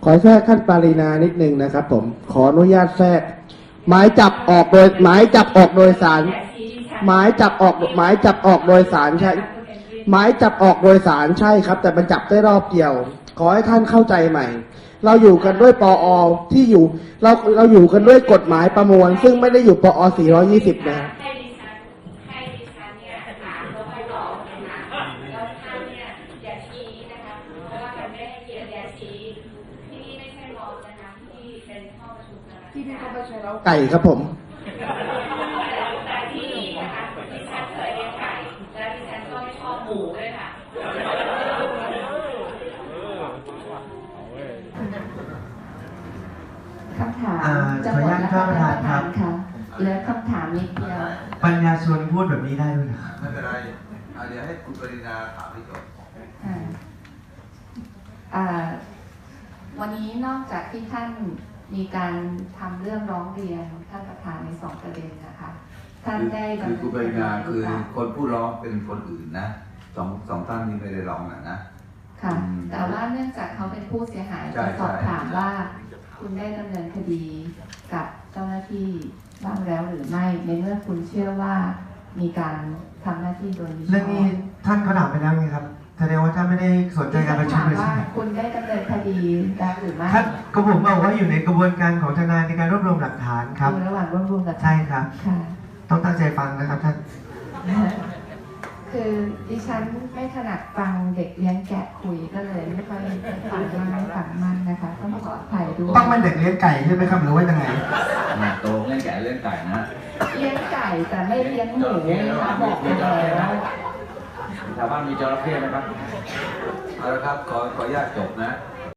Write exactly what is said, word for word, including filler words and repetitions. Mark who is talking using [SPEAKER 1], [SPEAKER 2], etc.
[SPEAKER 1] ขอแทรกท่านปารีนานิดนึงนะครับผมขออนุญาตแทรกหมายจับออกโดยหมายจับออกโดยสารหมายจับออกหมายจับออกโดยสารใช่หมายจับออกโดยสารใช่ครับ แต่มันจับได้รอบเดียว ขอให้ท่านเข้าใจใหม่ เราอยู่กันด้วยปอที่อยู่เราเราอยู่กันด้วยกฎหมายประมวล ซึ่งไม่ได้อยู่ปอสี่ร้อยยี่สิบนะ
[SPEAKER 2] ให้ดิฉันให้ดิฉันเนี่ยถามแล้วค่อยตอบนะคะแล้วท่านเนี่ยอย่าชี้นะคะเพราะว่ามันไม่ให้เกียรติอย่าชี้ที่นี่ไม่ใช่มอนะคะที่เป็นห้องประชุมนะคะที่นี่ก็ไม่ใช่เรา
[SPEAKER 1] ไก่ครับผม
[SPEAKER 2] แต่ที่นี่นะคะดิฉันเคยเลี้ยงไก่และดิฉันก็ไม่ชอบหมูด้วยค่ะ
[SPEAKER 3] คำถาม
[SPEAKER 4] อ่า
[SPEAKER 3] จะ
[SPEAKER 4] ขอ
[SPEAKER 3] ห
[SPEAKER 4] อ
[SPEAKER 3] ม
[SPEAKER 4] นุ
[SPEAKER 3] ด
[SPEAKER 4] ญาต
[SPEAKER 3] แล้ว
[SPEAKER 4] ท่า
[SPEAKER 3] ค่ะ
[SPEAKER 4] นประธาน
[SPEAKER 3] ท่านประธาน
[SPEAKER 4] ครับ
[SPEAKER 3] ค่ะเหลือคำถามนิดเดียว
[SPEAKER 4] ปัญญาชวนพูดแบบนี้ได้ไหมครับ
[SPEAKER 5] ไม่เป็นไรอ่ะเดี๋ยวให้คุณปรินาถามให้จบ
[SPEAKER 3] อ่าอ่าวันนี้นอกจากที่ท่านมีการทำเรื่องร้องเรียนท่านประธานในสองประเด็นนะคะท่านได้
[SPEAKER 5] คือคุณปรินาคือ
[SPEAKER 3] ค่ะ
[SPEAKER 5] คนผู้ร้องเป็นคนอื่นนะสองสองท่านนี้ไม่ได้ร้องนะนะ
[SPEAKER 3] ค่ะ
[SPEAKER 5] อืม
[SPEAKER 3] แต่ว่าเนื่องจากเขาเป็นผู้เสียหาย
[SPEAKER 5] ใช่
[SPEAKER 3] จะสอบ
[SPEAKER 5] ใช่
[SPEAKER 3] ถามว่า คุณได้ดำเนินคดีกับเจ้าหน้าที่บ้างแล้วหรือไม่ในเมื่อคุณเชื่อว่ามีการทำหน้าที่โดยมิชอบ
[SPEAKER 4] เรื่องนี้ท่านเขาถามไปแล้วไงครับแสดงว่าท่านไม่ได้สนใจการประชุมเลย
[SPEAKER 3] ถาม
[SPEAKER 4] ใช่
[SPEAKER 3] ว่า
[SPEAKER 4] ไหม
[SPEAKER 3] คุณได้ดำเนินคดีแล้วหรือไม่
[SPEAKER 4] ท่านก็ผมบอกว่าอยู่ในกระบวนการของทนายในการรวบรวมหลักฐานครับ
[SPEAKER 3] อยู่ระหว่างรวบรวมหลักฐาน
[SPEAKER 4] ใช่ครับ
[SPEAKER 3] ค่ะ
[SPEAKER 4] ต้องตั้งใจฟังนะครับท่าน
[SPEAKER 3] คือดิฉันไม่ถนัดฟังเด็กเลี้ยงแกะคุยก็เลยไม่ค่อยฟังมากฟังมากนะคะต้องขออภัยด้วย
[SPEAKER 4] ต้องเป็นเด็กเลี้ยงไก่ใช่ไหมครับหรือว่ายังไง
[SPEAKER 5] นะโตเล่นแก่เล่นไก่นะ
[SPEAKER 3] เลี้ยงไก่แต่ไม่เลี้ยงหมูนะคะบอกไปแล้ว
[SPEAKER 5] ชาวบ้านมีจระเข้ไหมครับเอาละครับขอขออนุญาตจบนะ